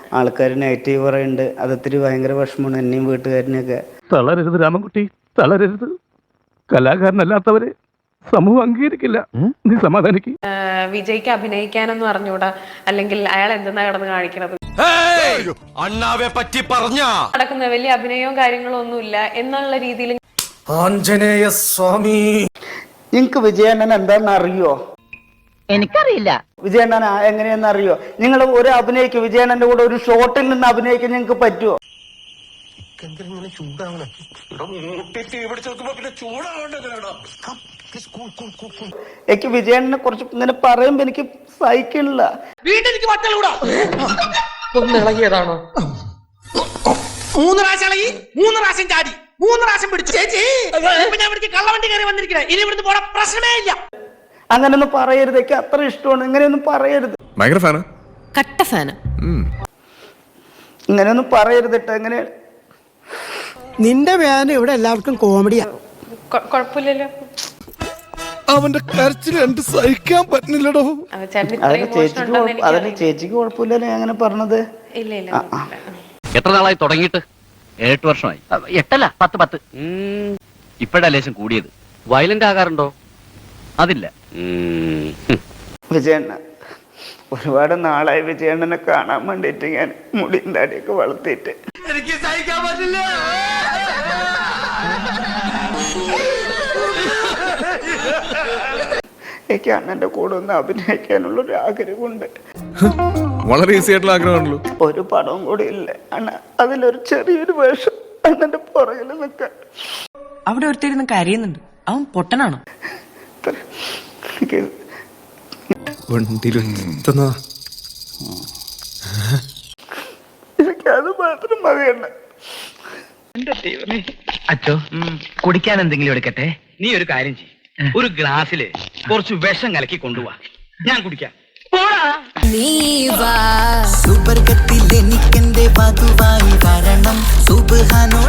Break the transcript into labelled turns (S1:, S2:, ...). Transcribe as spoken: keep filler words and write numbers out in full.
S1: ആൾക്കാർ നെഗറ്റീവ് പറയുന്നുണ്ട്. അതൊത്തിരി ഭയങ്കര വിഷമമാണ് എന്നെയും വീട്ടുകാരനെയൊക്കെ.
S2: തളരരുത് രാമൻകുട്ടി, തളരരുത്. കലാകാരനല്ലാത്തവരെ സമൂഹം അംഗീകരിക്കില്ല. നീ സമാധാനിക്ക്.
S3: വിജയ്ക്ക് അഭിനയിക്കാനെന്ന് പറഞ്ഞൂടാ, അല്ലെങ്കിൽ അയാൾ എന്തെന്നാ കിടന്ന് കാണിക്കണത്,
S4: അണ്ണാവെ പറ്റി പറഞ്ഞ
S3: നടക്കുന്ന വലിയ അഭിനയവും കാര്യങ്ങളും ഒന്നുമില്ല എന്നുള്ള രീതിയിൽ.
S4: ആഞ്ജനേയ സ്വാമി,
S1: നിങ്ങൾക്ക് വിജയണ്ണൻ എന്താണെന്ന് അറിയോ?
S5: എനിക്കറിയില്ല.
S1: വിജയണ്ണൻ എങ്ങനെയെന്ന് അറിയോ? നിങ്ങൾ ഒരു അഭിനയിക്കും, വിജയണ്ണന്റെ കൂടെ ഒരു ഷോട്ടിൽ നിന്ന് അഭിനയിക്കാൻ നിങ്ങൾക്ക് പറ്റുമോ? എനിക്ക് വിജയണ്ണനെ കുറിച്ച് ഇങ്ങനെ പറയുമ്പോ എനിക്ക് സഹിക്കണില്ല.
S6: ഒന്നിളകിയതാണോ? മൂന്ന് പ്രാവശ്യം ഇളകി, മൂന്ന് പ്രാവശ്യം ചാടി, മൂന്ന് പ്രാവശ്യം പിടിച്ചു. ചേച്ചി ഞാൻ ഇവിടേക്ക് കള്ളവണ്ടി കയറി വന്നിരിക്കണേ, ഇനി ഇവിടുന്ന് പോണ പ്രശ്നമേ ഇല്ല.
S1: അങ്ങനെയൊന്നും പറയരുത്, എനിക്ക് അത്ര ഇഷ്ടമാണ്. ഇങ്ങനെയൊന്നും പറയരുത്.
S7: ഭയങ്കര ഫാനാ,
S3: കട്ട ഫാന്.
S1: ഇങ്ങനെയൊന്നും പറയരുത് കേട്ടോ. എങ്ങനെ
S8: നിന്റെ വേദന ഇവിടെ എല്ലാവർക്കും കോമഡിയാ.
S3: കുഴപ്പമില്ലല്ലോ.
S7: അവന്റെ കരച്ചിൽ എനിക്ക് സഹിക്കാൻ പറ്റുന്നില്ലടോ.
S1: അതിന് ചേച്ചിക്ക് അതിന് ചേച്ചിക്ക് കുഴപ്പമില്ലല്ലോ അങ്ങനെ പറഞ്ഞത്.
S3: ഇല്ല ഇല്ല.
S9: എത്ര നാളായി തുടങ്ങിയിട്ട്? ഏഴെട്ട് വർഷമായി.
S5: എട്ടല്ല, പത്ത് പത്ത്.
S9: ഇപ്പഴാ ലേശം കൂടിയത്. വയലന്റ് ആകാറുണ്ടോ? അതില്ല.
S1: വിജയണ്ണ ഒരുപാട് നാളായി വിജയണ്ണനെ കാണാൻ വേണ്ടിയിട്ട് ഞാൻ മുടിയും താടിയൊക്കെ വളർത്തിയിട്ട്.
S4: എനിക്ക് സഹിക്കാൻ പറ്റില്ല.
S1: എനിക്ക് അണ്ണന്റെ കൂടെ ഒന്ന് അഭിനയിക്കാനുള്ള ഒരു ആഗ്രഹമുണ്ട്.
S7: വളരെ ഈസി ആയിട്ടുള്ള ആഗ്രഹമാണല്ലോ.
S1: ഒരു പടവും കൂടി ഇല്ല അണ്ണ, അതിലൊരു ചെറിയൊരു വേഷം അണ്ണന്റെ പുറകിൽ നിൽക്കാൻ.
S6: അവിടെ ഒരുത്തരുന്ന് കരയുന്നുണ്ട്, അവൻ പൊട്ടനാണോ?
S1: എനിക്ക് എനിക്കത് മാത്രം മതിയണ്ണ.
S5: അച്ചോ, കുടിക്കാൻ എന്തെങ്കിലും എടുക്കട്ടെ?
S9: നീ ഒരു കാര്യം ചെയ്യ്, ഒരു ഗ്ലാസ്സില് കുറച്ച് വിഷം കലക്കി കൊണ്ടുപോവാ, ഞാൻ കുടിക്കാം.
S10: സൂപ്പർ കത്തിൽ എനിക്കെന്റെ വധുവായി വരണം സുബ്ഹാനോ